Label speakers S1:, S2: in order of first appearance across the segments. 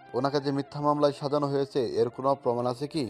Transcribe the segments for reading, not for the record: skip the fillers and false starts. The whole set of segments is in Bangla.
S1: ওনাকে যে মিথ্যা মামলায় সাজানো হয়েছে এর কোনো প্রমাণ আছে কি?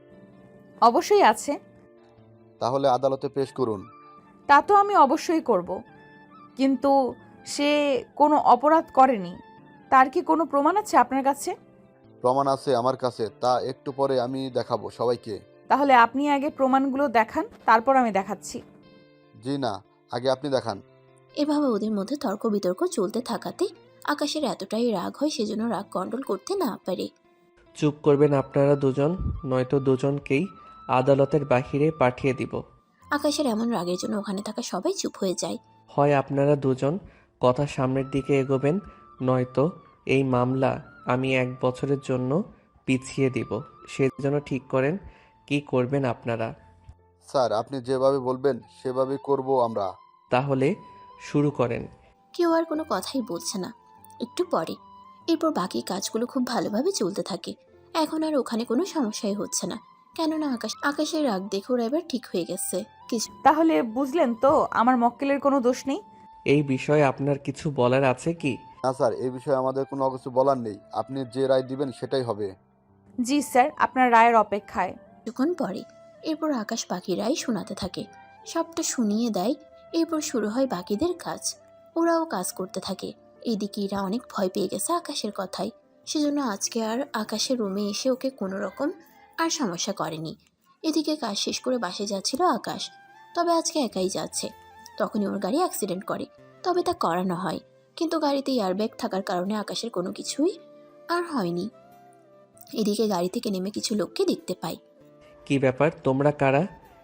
S2: অবশ্যই আছে।
S1: তাহলে আদালতে পেশ করুন।
S2: তা তো আমি অবশ্যই করব, কিন্তু সে কোনো অপরাধ করেনি। তার কি কোনো প্রমাণ আছে আপনার কাছে?
S1: প্রমাণ আছে আমার কাছে, তা একটু পরে আমি দেখাবো সবাইকে।
S2: তাহলে আপনি আগে প্রমাণগুলো দেখান, তারপর আমি দেখাচ্ছি।
S1: জি না, আগে আপনি দেখান।
S3: এভাবে ওদের মধ্যে তর্ক বিতর্ক চলতে থাকাতে আকাশের এতটাই রাগ হয় সেজন্য রাগ কন্ট্রোল করতে না পারে।
S4: চুপ করবেন আপনারা দুজন, নয়তো দুজনকেই আদালতের বাহিরে পাঠিয়ে দিব।
S3: আকাশের এমন রাগের জন্য ওখানে থাকা সবাই চুপ হয়ে যায়।
S4: হয় আপনারা দুজন কথা সামনের দিকে এগোবেন, নয়তো এই মামলা আমি 1 বছরের জন্য পিছিয়ে দিব। সেজন্য ঠিক করেন কি করবেন আপনারা।
S1: স্যার, আপনি যেভাবে বলবেন সেভাবেই করব আমরা।
S4: তাহলে শুরু করেন।
S3: কেউ আর কোনো কথাই বলছে না। একটু পরে এরপর বাকি কাজগুলো খুব ভালোভাবে চলতে থাকে। এখন আর ওখানে কোনো সমস্যাই হচ্ছে না, কেননা আকাশের রাগ দেখে ওরা এবার ঠিক হয়ে গেছে। কিছু
S2: তাহলে বুঝলেন তো আমার মক্কেলের কোনো দোষ নেই।
S4: এই বিষয়ে আপনার কিছু বলার আছে কি?
S1: না স্যার, এই বিষয়ে আমাদের কোনো কিছু বলার নেই। আপনি যে রায় দিবেন সেটাই হবে।
S2: জি স্যার, আপনার রায়ের অপেক্ষায়।
S3: কিছুক্ষণ পরে এরপর আকাশ বাকিরাই শোনাতে থাকে, সবটা শুনিয়ে দেয়। এরপর শুরু হয় বাকিদের কাজ। ওরাও কাজ করতে থাকে। এদিকে এরা অনেক ভয় পেয়ে গেছে আকাশের কথায়, সেজন্য আজকে আর আকাশের রুমে এসে ওকে কোনো রকম আর সমস্যা করেনি। এদিকে কাজ শেষ করে বাসে যাচ্ছিল আকাশ, তবে আজকে একাই যাচ্ছে। তখনই ওর গাড়ি অ্যাক্সিডেন্ট করে, তবে তা করানো হয়, কিন্তু গাড়িতে এয়ারব্যাগ থাকার কারণে আকাশের কোনো কিছুই আর হয়নি। এদিকে গাড়ি থেকে নেমে কিছু লোককে দেখতে পায়।
S4: কি ব্যাপার, তোমরা কারা?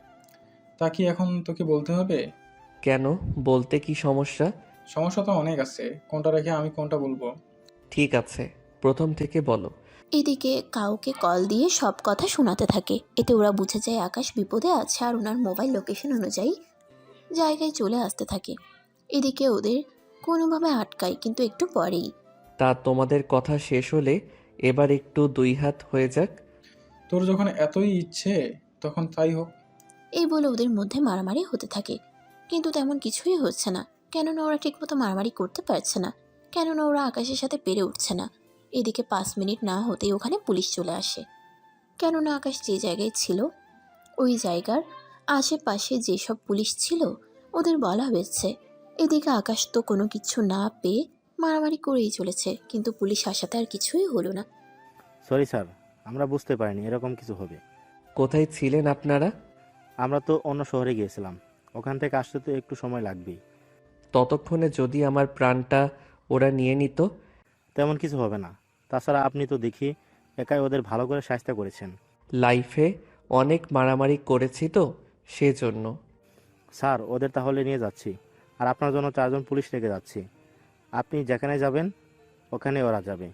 S5: তা কি এখন তোকে বলতে হবে?
S4: কেন, বলতে কি সমস্যা?
S5: সমস্যা তো অনেক আছে, কোনটা রেখে আমি কোনটা বলবো?
S4: ঠিক আছে, প্রথম থেকে বলো।
S3: এদিকে কাউকে কল দিয়ে সব কথা শোনাতে থাকে। এতে ওরা বুঝে যায় আকাশ বিপদে আছে আর ওনার মোবাইল লোকেশন অনুযায়ী জায়গায় চলে আসতে থাকে। এদিকে ওদের কোনোভাবে আটকায়, কিন্তু একটু পরেই
S4: তা তোমাদের কথা শেষ হলে এবার একটু 2 হাত হয়ে যাক।
S5: তোর যখন এতই ইচ্ছে তখন তাই হোক।
S3: এই বলে ওদের মধ্যে মারামারি হতে থাকে, কিন্তু তেমন কিছুই হচ্ছে না, কেননা ওরা ঠিকমতো মারামারি করতে পারছে না, কেননা ওরা আকাশের সাথে পেরে উঠছে না। এদিকে 5 মিনিট না হতেই ওখানে পুলিশ চলে আসে, কেননা আকাশ যে জায়গায় ছিল ওই জায়গার আশেপাশে যেসব পুলিশ ছিল ওদের বলা হয়েছে। এদিকে আকাশ তো কোনো কিছু না পেয়ে মারামারি করেই চলেছে, কিন্তু পুলিশ আসাতে আর কিছুই হলো না।
S6: সরি স্যার, আমরা বুঝতে পারিনি এরকম কিছু হবে।
S4: কোথায় ছিলেন আপনারা?
S6: আমরা তো অন্য শহরে গিয়েছিলাম, ওখান থেকে আসতে তো একটু সময় লাগবেই।
S4: ততক্ষণে যদি আমার প্রাণটা ওরা নিয়ে নিত?
S6: তেমন কিছু হবে না। তাছাড়া আপনি তো দেখি একাই ওদের ভালো করে শায়েস্তা করেছেন।
S4: লাইফে অনেক মারামারি করেছি তো, সেজন্য।
S6: স্যার, ওদের তাহলে নিয়ে যাচ্ছি, আর আপনার জন্য 4 জন পুলিশ রেখে যাচ্ছি। আপনি যেখানে যাবেন ওখানে ওরা যাবে।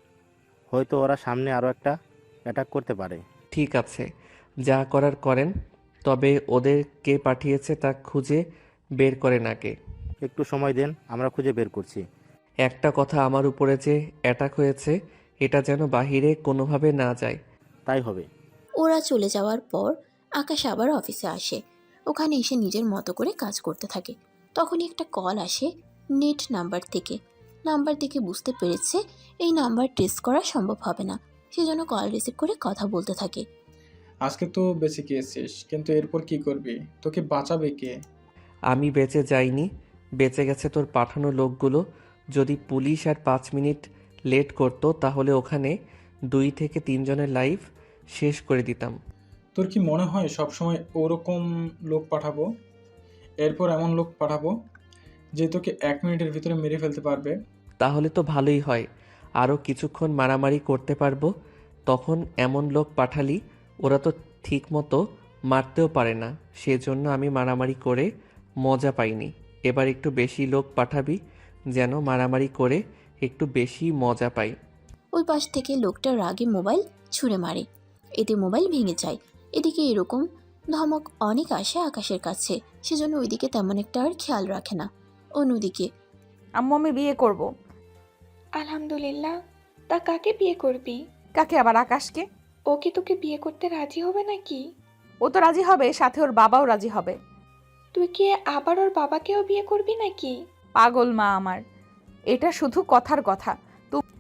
S6: হয়তো ওরা সামনে আরও একটা অ্যাটাক করতে পারে।
S4: ঠিক আছে, যা করার করেন, তবে ওদের কে পাঠিয়েছে তা খুঁজে বের করেন আগে।
S6: একটু সময় দেন, আমরা খুঁজে বের করছি।
S4: একটা কথা, আমার উপরে যে অ্যাটাক হয়েছে এটা যেন বাহিরে কোনোভাবে না যায়।
S6: তাই হবে।
S3: ওরা চলে যাওয়ার পর আকাশ আবার অফিসে আসে। ওখানে এসে নিজের মতো করে কাজ করতে থাকে। তখনই একটা কল আসে নেট নাম্বার থেকে। নাম্বার দেখে বুঝতে পেরেছে এই নাম্বার ট্রেস করা সম্ভব হবে না, সেজন্য কল রিসিভ করে কথা বলতে থাকে।
S5: আজকে তো বেঁচে গিয়েছিস, কিন্তু এরপর কি করবি? তোকে বাঁচাবে কে?
S4: আমি বেঁচে যাইনি, বেঁচে গেছে তোর পাঠানো লোকগুলো। যদি পুলিশ আর 5 মিনিট লেট করতো তাহলে ওখানে 2 থেকে 3 জনের লাইফ শেষ করে দিতাম।
S5: তোর কি মনে হয় সবসময় ওরকম লোক পাঠাবো? এরপর এমন লোক পাঠাবো যে তোকে 1 মিনিটের ভিতরে মেরে ফেলতে পারবে।
S4: তাহলে তো ভালোই হয়, আরও কিছুক্ষণ মারামারি করতে পারবো। তখন এমন লোক পাঠালি ওরা তো ঠিক মতো মারতেও পারে না, সেজন্য আমি মারামারি করে মজা পাইনি। এবার একটু বেশি লোক পাঠাবি যেন মারামারি করে একটু বেশি মজা পাই।
S3: ওই পাশ থেকে লোকটা রাগে মোবাইল ছুঁড়ে মারে, এতে মোবাইল ভেঙে যায়। এদিকে এরকম ধমক অনেক আসে আকাশের কাছে, সেজন্য ওইদিকে তেমন একটা আর খেয়াল রাখে না। অন্যদিকে
S2: আম্মু, আমি বিয়ে করব।
S7: আলহামদুলিল্লাহ। তা কাকে বিয়ে করবি?
S2: কাকে আবার? আকাশকে।
S7: ও কি তোকে বিয়ে করতে রাজি হবে নাকি?
S2: ও তো রাজি হবে, সাথে ওর বাবাও রাজি হবে।
S7: তুই কি আবার ওর বাবাকেও বিয়ে করবি নাকি?
S2: পাগল মা আমার, এটা শুধু কথার কথা।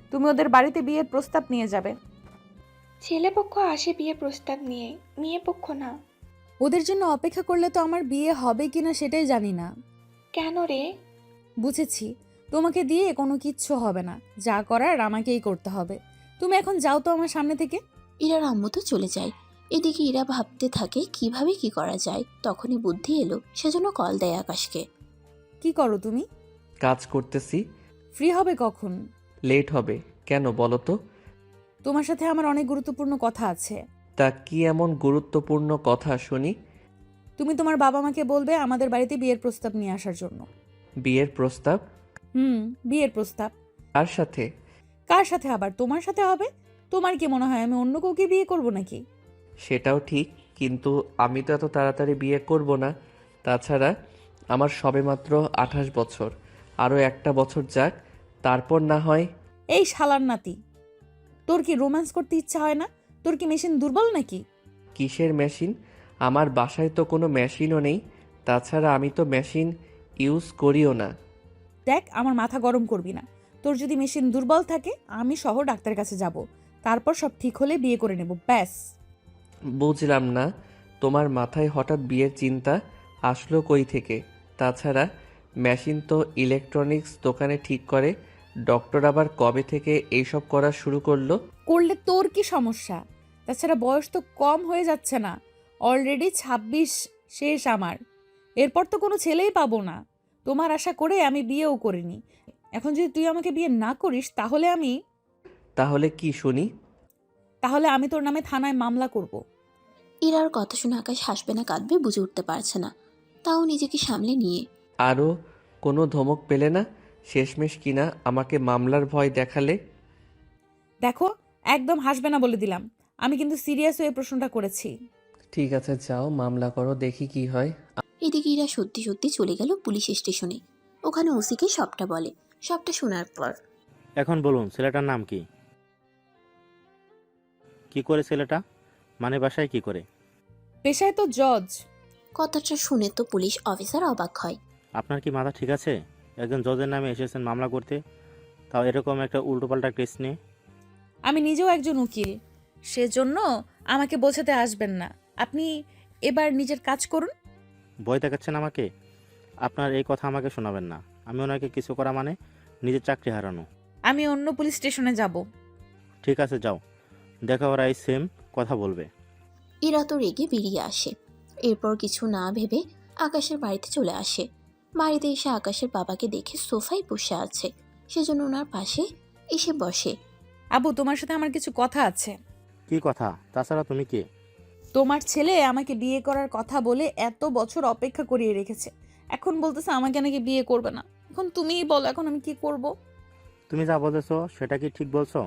S2: তুমি ওদের বাড়িতে বিয়ের প্রস্তাব নিয়ে যাবে।
S7: ছেলেপক্ষ আসে বিয়ে প্রস্তাব নিয়ে, মেয়ে পক্ষ না।
S2: ওদের জন্য অপেক্ষা করলে তো আমার বিয়ে হবে কিনা সেটাই জানি না।
S7: কেন রে?
S2: বুঝেছি, তোমাকে দিয়ে কোনো কিচ্ছু হবে না, যা করার আমাকেই করতে হবে। তুমি এখন যাও তো আমার সামনে থেকে।
S3: ইরার আম্মু তো চলে যায়। এদিকে ইরা ভাবতে থাকে কিভাবে কি করা যায়। তখনই বুদ্ধি এলো, সেজন্য কল দেয় আকাশকে।
S2: কি করো তুমি?
S4: কাজ করতেছি।
S2: ফ্রি হবে কখন?
S4: লেট হবে কেন বলো তো?
S2: তোমার সাথে আমার অনেক গুরুত্বপূর্ণ কথা আছে।
S4: তা কি এমন গুরুত্বপূর্ণ কথা শুনি?
S2: তুমি তোমার বাবা মাকে বলবে আমাদের বাড়িতে বিয়ের প্রস্তাব নিয়ে আসার জন্য।
S4: বিয়ের প্রস্তাব?
S2: বিয়ের প্রস্তাব।
S4: কার সাথে?
S2: কার সাথে আবার? তোমার সাথে হবে। তোমার কি মনে হয় আমি অন্য কাউকে বিয়ে করব নাকি?
S4: সেটাও ঠিক, কিন্তু আমি তো এত তাড়াতাড়ি বিয়ে করব না। তাছাড়া আমার সবেমাত্র 28 বছর, আরও একটা বছর যাক, তারপর না হয়।
S2: এই শালার নাতি, তোর কি রোম্যান্স করতে ইচ্ছা হয় না? তোর কি মেশিন দুর্বল নাকি?
S4: কিসের মেশিন? আমার বাসায় তো কোনো মেশিনও নেই। তাছাড়া আমি তো মেশিন ইউজ করিও না।
S2: দেখ, আমার মাথা গরম করবি না। তোর যদি মেশিন দুর্বল থাকে আমি সহ ডাক্তারের কাছে যাব, তারপর সব ঠিক হলে বিয়ে করে নেব, ব্যাস।
S4: বুঝলাম না, তোমার মাথায় হঠাৎ বিয়ের চিন্তা আসলো কই থেকে? তাছাড়া মেশিন তো ইলেকট্রনিক্স দোকানে ঠিক করে, ডক্টর আবার কবে থেকে এইসব করা শুরু করলো?
S2: করলে তোর কি সমস্যা? তাছাড়া বয়স তো কম হয়ে যাচ্ছে না, অলরেডি 26 শেষ আমার। এরপর তো কোনো ছেলেই পাবো না। তোমার আশা করে আমি বিয়েও করিনি। এখন যদি তুই আমাকে বিয়ে না করিস
S4: তাহলে কি শুনি?
S2: তাহলে আমি তোর নামে থানায় মামলা করব।
S3: ইরার কথা শুনে আকাশ হাসবে না কাঁদবে বুঝে উঠতে পারছে না। তাও নিজেকে সামলে নিয়ে,
S4: আরও কোনো ধমক পেলে না? শেষমেশ কিনা আমাকে মামলার ভয় দেখালে।
S2: দেখো, একদম হাসবে না বলে দিলাম। আমি কিন্তু সিরিয়াস হয়ে প্রশ্নটা করেছি।
S4: ঠিক আছে, যাও মামলা করো, দেখি কি হয়।
S3: এদিকে ইরা সত্যি সত্যি চলে গেল পুলিশ স্টেশনে। ওখানে ওসিকে সবটা বলে। সবটা শোনার পর
S6: এখন বলুন, ছেলেটার নাম কি? কি করে ছেলেটা? মানে বাসায় কি করে?
S2: পেশায় তো জজ।
S3: কথাটা শুনে তো পুলিশ অফিসার অবাক হয়।
S6: আপনার কি মাথা ঠিক আছে? একজন জজের নামে এসেছেন মামলা করতে, তাও এরকম একটা উল্টোপাল্টা কেস নিয়ে।
S2: আমি নিজেও একজন উকিল, সেজন্য আমাকে বোঝাতে আসবেন না। আপনি এবার নিজের কাজ করুন।
S6: ভয় দেখাচ্ছেন আমাকে? আপনার এই কথা আমাকে শোনাবেন না। আমি ওনাকে কিছু করা মানে নিজের চাকরি হারানো।
S2: আমি অন্য পুলিশ স্টেশনে যাব।
S6: ঠিক আছে, যাও, দেখা ওরা এই সেম কথা বলবে।
S3: ইরা তো রেগে বেরিয়ে আসে। এরপর কিছু না ভেবে আকাশের বাড়িতে চলে আসে। বাড়িতে এসে আকাশের বাবাকে দেখে সোফায় বসে আছে, সেজন্য ওনার পাশে এসে বসে।
S2: আবু, তোমার সাথে আমার কিছু কথা আছে।
S6: কি কথা? তাছাড়া তুমি কে?
S2: তোমার ছেলে আমাকে বিয়ে করার কথা বলে এত বছর অপেক্ষা করিয়ে রেখেছে, এখন বলতেছে আমাকে নাকি বিয়ে করবে না। এখন তুমিই বলো, এখন আমি কি করব?
S6: তুমি যা বলেছো সেটা কি ঠিক বলছো?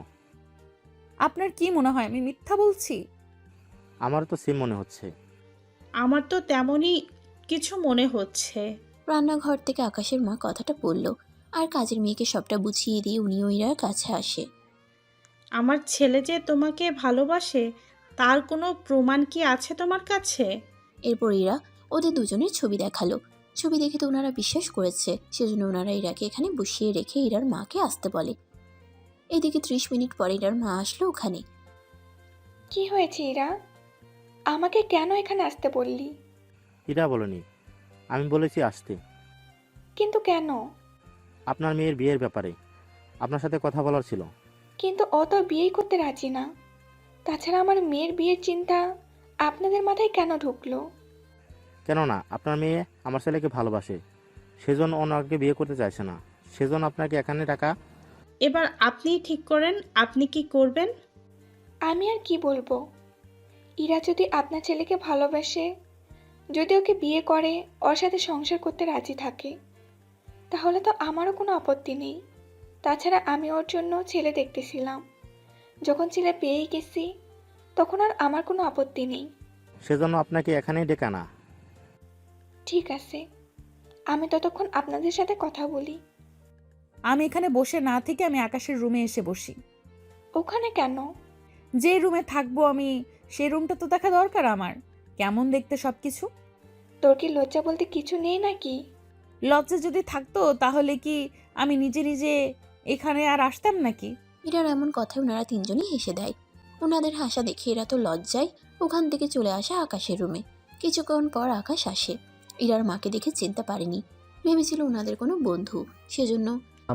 S2: আপনার কি মনে হয় আমি মিথ্যা বলছি?
S6: আমার তো সেম মনে হচ্ছে।
S8: আমার তো তেমনই কিছু মনে হচ্ছে।
S3: রান্নাঘর থেকে আকাশের মা কথাটা বলল, আর কাজের মেয়েকে সবটা বুঝিয়ে দিয়ে উনিও ইরার কাছে আসে।
S8: আমার ছেলে যে তোমাকে ভালোবাসে তার কোনো প্রমাণ কি আছে তোমার কাছে?
S3: এরপর ইরা ওদের দুজনের ছবি দেখালো। ছবি দেখে তো ওনারা বিশ্বাস করেছে, সেজন্য ওনারা ইরাকে এখানে বসিয়ে রেখে ইরার মাকে আসতে বলে। এদিকে 30 মিনিট পরে ইরার মা আসলো ওখানে।
S7: কি হয়েছে ইরা? আমাকে কেন এখানে আসতে বললি?
S6: এরা বলেনি, আমি বলেছি আসতে।
S7: কিন্তু কেন?
S6: আপনার মেয়ের বিয়ের ব্যাপারে আপনার সাথে কথা বলার ছিল।
S7: কিন্তু ও তো বিয়েই করতে রাজি না। তাছাড়া আমার মেয়ের বিয়ের চিন্তা আপনাদের মাথায় কেন ঢুকলো?
S6: কেননা আপনার মেয়ে আমার ছেলেকে ভালোবাসে, সেজন্য ওনাকে বিয়ে করতে চাইছে না। সেজন্য আপনাকে এখানে টাকা।
S8: এবার আপনিই ঠিক করেন আপনি কি করবেন।
S7: আমি আর কি বলবো? ইরা যদি আপনার ছেলেকে ভালোবাসে, যদি ওকে বিয়ে করে, ওর সাথে সংসার করতে রাজি থাকে, তাহলে তো আমারও কোনো আপত্তি নেই। তাছাড়া আমি ওর জন্য ছেলে দেখতেছিলাম, যখন ছেলে পেয়েই গেছি তখন আর আমার কোনো আপত্তি নেই।
S6: সেজন্য আপনাকে এখানেই ডেকে আনা।
S7: ঠিক আছে, আমি ততক্ষণ আপনাদের সাথে কথা বলি।
S2: আমি এখানে বসে না থেকে আমি আকাশের রুমে এসে বসি।
S7: ওখানে কেন?
S2: যে রুমে থাকবো আমি, সেই রুমটা তো দেখা দরকার আমার, কেমন দেখতে সবকিছু।
S7: তোর কি লজ্জা বলতে কিছু নেই নাকি?
S2: লজ্জা যদি থাকতো তাহলে কি আমি নিজে নিজে এখানে আর আসতাম নাকি?
S3: ইরার এমন কথায় ওনারা তিনজনই হেসে দেয়। ওনাদের হাসা দেখে এরা তো লজ্জায় ওখান থেকে চলে আসে আকাশের রুমে। কিছুক্ষণ পর আকাশ আসে। ইরার মাকে দেখে চিনতে পারেনি, ভেবেছিল ওনাদের কোনো বন্ধু, সেজন্য